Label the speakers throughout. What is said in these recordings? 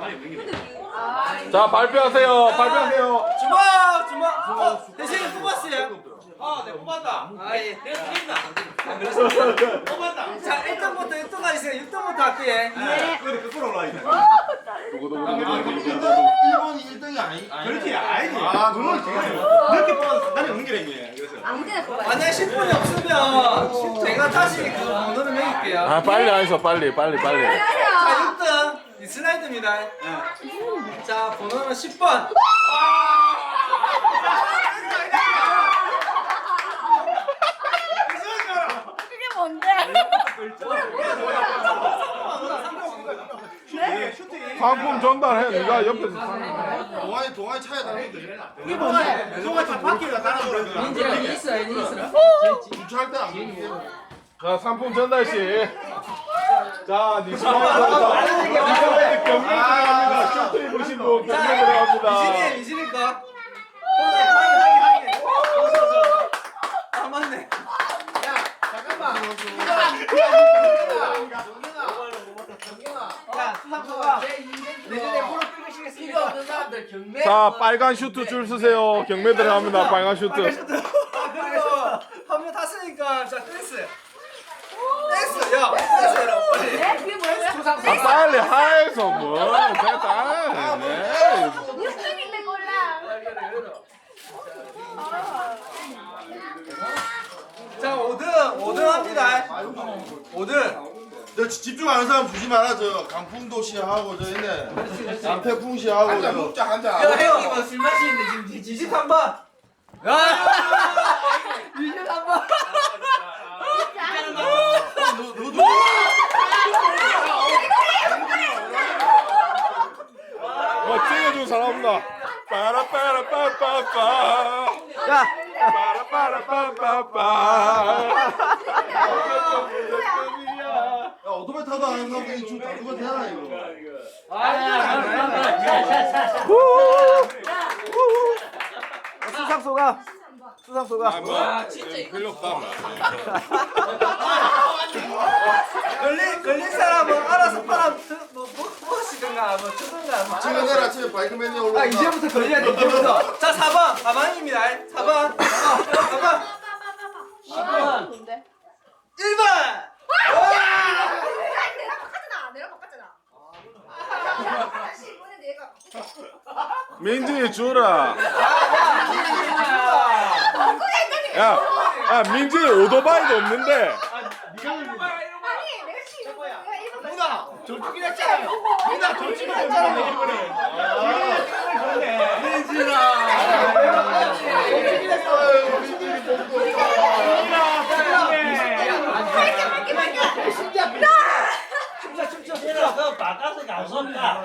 Speaker 1: 자, 발표하세요. 발표하세요.
Speaker 2: 주먹. 대신 뽑았어요.
Speaker 3: 네, 뽑았다.
Speaker 2: 예.
Speaker 3: 내가 틀린다. 뽑았다.
Speaker 2: 자, 1등부터 6등까지 있어요. 6등부터 할게요.
Speaker 4: 네. 그래 거꾸로 올라와 있네.
Speaker 5: 일본이 1등이 아니.
Speaker 4: 그렇지 아니지. 아 그걸 이렇게 뽑아서 단이 없는 게 아니에요. 그래서.
Speaker 6: 아무데나 뽑아요.
Speaker 2: 만약에 10분이 없으면 제가 다시 그 번호를 매길게요.
Speaker 1: 아, 빨리 하셔. 빨리.
Speaker 2: 자, 6등 이 슬라이드입니다. 자, 번호는 10번.
Speaker 6: 그게 뭔데?
Speaker 1: 상품 전달해. 네가 옆에서.
Speaker 5: 동아리 차에 다니는데.
Speaker 4: 이게 뭔데? 소가 바퀴가 따라 오르는 거야.
Speaker 2: 있어요.
Speaker 5: 주차할 때안 보이게.
Speaker 1: 자, 상품 전달 시. 자, 니시마에서 경매 들어갑니다. 셔츠 입으신 분 경매 들어갑니다.
Speaker 2: 이진이 거. 아, 맞네. 야, 수상소가 내년에 무릎 꿇으시겠습니까?
Speaker 1: 자, 빨간 슈트 줄 쓰세요. 경매 들어갑니다. 빨간 슈트.
Speaker 2: 그리고 한번 탔으니까 자, 댄스. 댄스, 야, 댄스해라, 빨리.
Speaker 6: 네? 그게 뭐예요?
Speaker 1: 아, 빨리 하에서 뭐. 됐다. 네.
Speaker 6: 6등인데 골라.
Speaker 2: 자, 5등 합니다. 5등.
Speaker 5: 너 집중하는 사람 주지 말아. 저 강풍도 씨하고 저 있네. 남태풍 씨하고 저. 먹자 한잔.
Speaker 2: 야, 형이 술 마시는데 지금 지짓 한 번. 야, 지짓 한 번.
Speaker 5: 너도.
Speaker 1: 찍어준 사람 없나? 빠라빠라빠빠빠.
Speaker 2: 야,
Speaker 1: 빠라빠라빠빠빠.
Speaker 5: 야 오토바이 타도 안 하는 사람들이 지금 다 누가 되나 이거.
Speaker 2: 수상소가.
Speaker 1: 아, 진짜 별로 없다.
Speaker 2: 걸린 사람은 알아서 팔아 무엇이든가 뭐 주든가 뭐.
Speaker 5: 지금 내일 아침에 바이크맨이 올라온다.
Speaker 2: 아, 이제부터 걸려야 돼. 이제부터. 자, 4번 가방입니다. 4번. 4번.
Speaker 6: 10번. 뭔데?
Speaker 2: 1번.
Speaker 6: 내가 바꿨잖아. 다시 이번에 내가.
Speaker 1: 민지 주라. 야, 민지 오토바이도 없는데.
Speaker 6: 아니, 내가 지금 내가 1번
Speaker 4: 누나 저쪽이 했잖아요. 누나 저쪽이 했잖아 이번에.
Speaker 3: 그 바꿔서 감사합니다.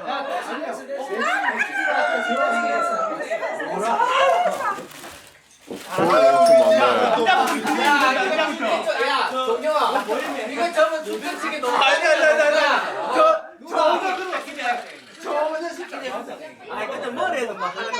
Speaker 2: 동영아, 이거 저는 두변치기 너무 아니. 저는 시키네. 아, 근데 머리에도 막 하는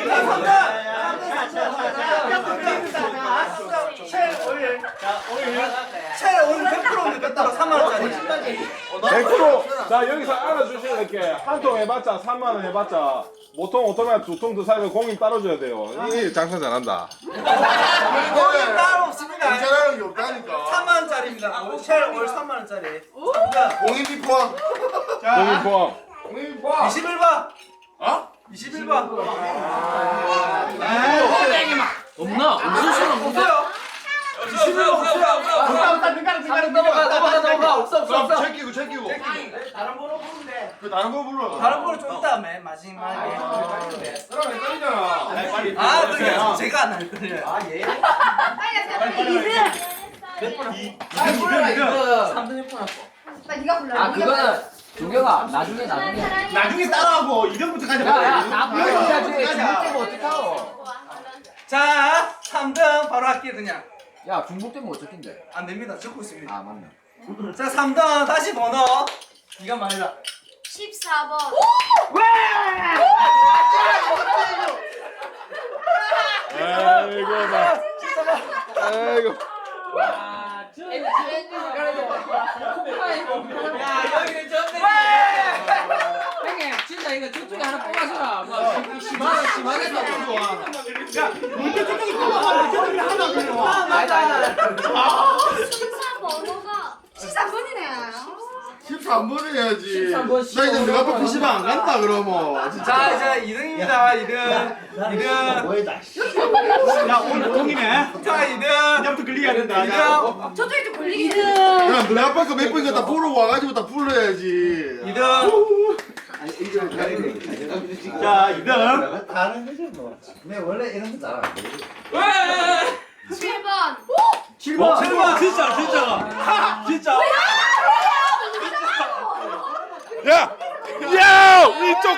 Speaker 2: 체 오일 100% 뺐다고 3만원짜리.
Speaker 1: 100%. 자, 여기서 알아주셔야 될 게 한 통 해봤자 3만 원 해봤자 보통 오토바이 2통 더 사고 공임 따라줘야 돼요. 이 장사 잘한다.
Speaker 2: 거기 따로 없습니다.
Speaker 5: 괜찮아는 게 없다니까.
Speaker 2: 3만원짜리입니다. 체 오일 3만원짜리.
Speaker 5: 공인비 포함.
Speaker 1: 공임 포함.
Speaker 5: 공인비 포함.
Speaker 2: 21번.
Speaker 5: 어?
Speaker 2: 21번.
Speaker 3: 없나? 무슨 소리
Speaker 2: 없어요. 21번 없어요. 넘어가. 없어.
Speaker 5: 챙기고.
Speaker 2: 다른 번호 부르면 돼.
Speaker 5: 그 다른 거 불러.
Speaker 2: 다른 번호 좀 이따 마지막에.
Speaker 5: 그럼 헷갈리잖아.
Speaker 2: 아, 그래. 제가 안 할 거예요. 아, 예.
Speaker 6: 빨리
Speaker 2: 3등 6분 왔고.
Speaker 6: 빨리 네가 골라.
Speaker 7: 아 그거는 종혁아 나중에
Speaker 4: 나중에 따라하고 2등부터 가자.
Speaker 7: 야나 불러야지 중복되면 어떡하오
Speaker 2: 자, 3등 바로 할게요, 그냥.
Speaker 7: 야 중복되면 어떡인데
Speaker 2: 안 됩니다. 적고 있습니다.
Speaker 7: 아 맞네
Speaker 2: 자, 3등 다시 번호. 네가 말해라.
Speaker 6: 14번.
Speaker 1: 아이고 나. 아이고.
Speaker 2: 야, 여기는 전대.
Speaker 7: 형님 진짜
Speaker 3: 아니다 이거 저쪽에 하나 뽑아서라. 뭐 심하겠다.
Speaker 4: 먼저 저쪽이 뽑아봐. 저쪽이 하나 들어와.
Speaker 6: 순서 번호가 13번이네.
Speaker 5: 13번을 해야지.
Speaker 2: 13번
Speaker 5: 나 이제 내가 또 PC방 안 간다 그러면. 진짜.
Speaker 2: 자, 이제 2등입니다. 2등.
Speaker 4: 뭐해다. 야 오늘 공이네.
Speaker 2: 자, 2등.
Speaker 4: 이제부터 걸리게 된다.
Speaker 2: 2등.
Speaker 6: 저쪽에 좀 걸리긴
Speaker 5: 야, 너네 아빠 거몇 번이니까 다 보러 와가지고 다 불러야지.
Speaker 2: 2등.
Speaker 4: 자 2등.
Speaker 5: 다른 거지 뭐. 내 원래 이런 거 잘 안 돼.
Speaker 6: 7번.
Speaker 2: 7번.
Speaker 4: 7번 진짜. 진짜.
Speaker 1: 야! 야! 위쪽!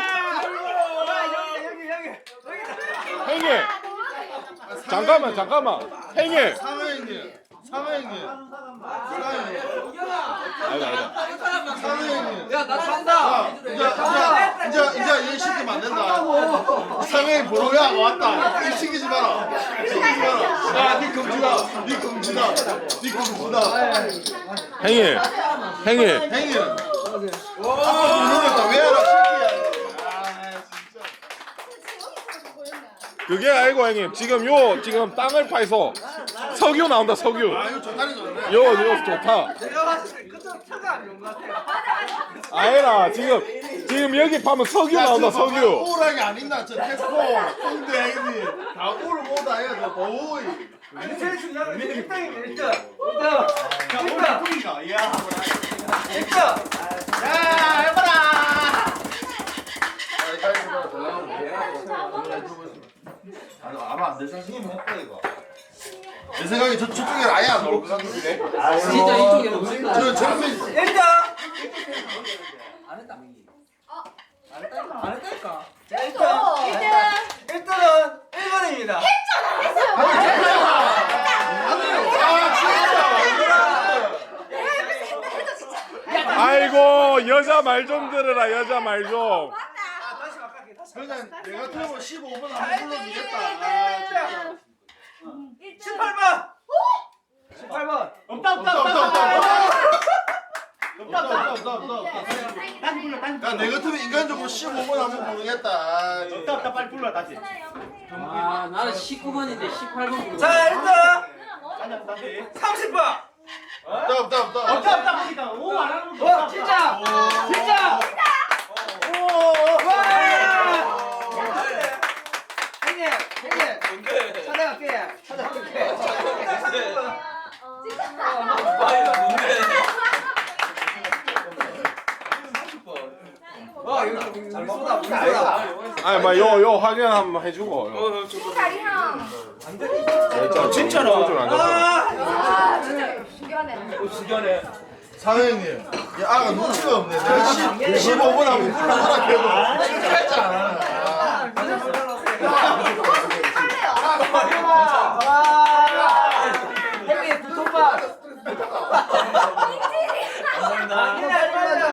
Speaker 2: 여기.
Speaker 1: 형님! 잠깐만. 형님!
Speaker 5: 사회님.
Speaker 1: 아니다.
Speaker 5: 사회님.
Speaker 2: 야, 나 찬다.
Speaker 5: 이제 얘 시키면 안 된다. 상해이 보러야 왔다. 이 시키지 마라. 야, 니 금지다.
Speaker 1: 형님!
Speaker 5: 행인. 아빠 부르겠다. 왜 알아? 시키야. 아, 진짜.
Speaker 1: 그게 아니고 형님 지금 땅을 파서 석유 나온다 석유.
Speaker 5: 아, 이거 좋다니 좋네.
Speaker 1: 이거 좋다.
Speaker 2: 내가 봤을 때 끝은 차가 안 좋은 것 같아요.
Speaker 1: 아니라 지금 여기 파면 석유 나온다 석유.
Speaker 5: 오락이 안 있나? 저 테스코. 홍대 행인. 다 오를 못다 해야 돼. 보이.
Speaker 2: 아니, 제일 중요한 건 1등입니다. 1등.
Speaker 4: 자 오늘 공이가. 야.
Speaker 2: 1등.
Speaker 4: 야 해봐라.
Speaker 5: 아마 안 될 생각이면 했다 이거. 내 생각에 저쪽에 아예 안 나올 것 같은데.
Speaker 3: 진짜 이쪽에 놓는다.
Speaker 5: 저 정면
Speaker 2: 1등.
Speaker 3: 안 했다.
Speaker 2: 안 했다니까. 자, 1등.
Speaker 6: 1등.
Speaker 2: 1등은 1번입니다.
Speaker 1: 아이고 여자 말 좀 들으라 여자 말 좀.
Speaker 2: 다시 바꿀게. 다시
Speaker 5: 그냥 내가 틀면 15분 안 불러주겠다. 아, 진짜.
Speaker 2: 18번. 18번.
Speaker 5: 야, 내 같으면 인간적으로 15분 하면 모르겠다. 아, 진짜.
Speaker 4: 없다 빨리 불러 다시.
Speaker 3: 아 나는 19번인데 18번.
Speaker 2: 자, 1등.
Speaker 4: 다시.
Speaker 2: 30번.
Speaker 5: 없다.
Speaker 4: 보니까 오안 하는 거.
Speaker 2: 진짜. 진짜. 와! 형님. 찾아갈게. 와, 이거 잘 쏘다.
Speaker 1: 아니 막요 확인 한번 해주고.
Speaker 6: 다리형.
Speaker 1: 진짜로.
Speaker 6: 아, 진짜 중요하네.
Speaker 5: 사장님, 이 아가 눈치가 없네. 내가 15분 하면 불러라 해도 실패하지 않아.
Speaker 2: 형님, 두통만.